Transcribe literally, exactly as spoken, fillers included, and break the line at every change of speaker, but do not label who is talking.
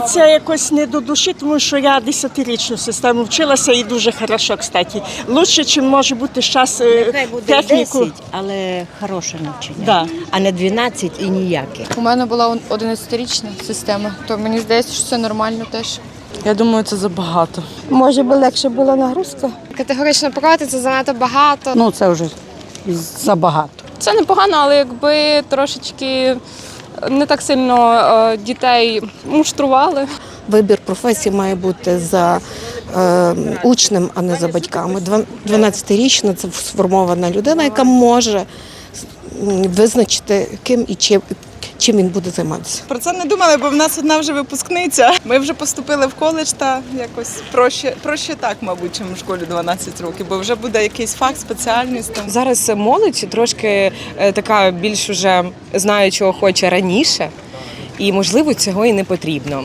це якось не до душі, тому що я десятирічну систему вчилася і дуже хорошо, кстати. Лучше, ніж може бути зараз
Нехай буде
техніку.
десять, але хороше навчання,
Да.
а не дванадцять і ніяке.
У мене була одинадцятирічна система, то мені здається, що це нормально теж.
Я думаю, це забагато.
Може би легше була нагрузка?
Категорично проти, це занадто багато.
Ну, це вже забагато.
Це непогано, але якби трошечки не так сильно е, дітей муштрували.
Вибір професії має бути за е, учнем, а не за батьками. дванадцятирічна – це сформована людина, яка може визначити, ким і чим, чим він буде займатися.
Про це не думали, бо в нас одна вже випускниця. Ми вже поступили в коледж та якось проще, проще так, мабуть, чим в школі дванадцять років, бо вже буде якийсь фах, спеціальність. Там.
Зараз молодь трошки така більш уже знає, чого хоче раніше, і, можливо, цього і не потрібно.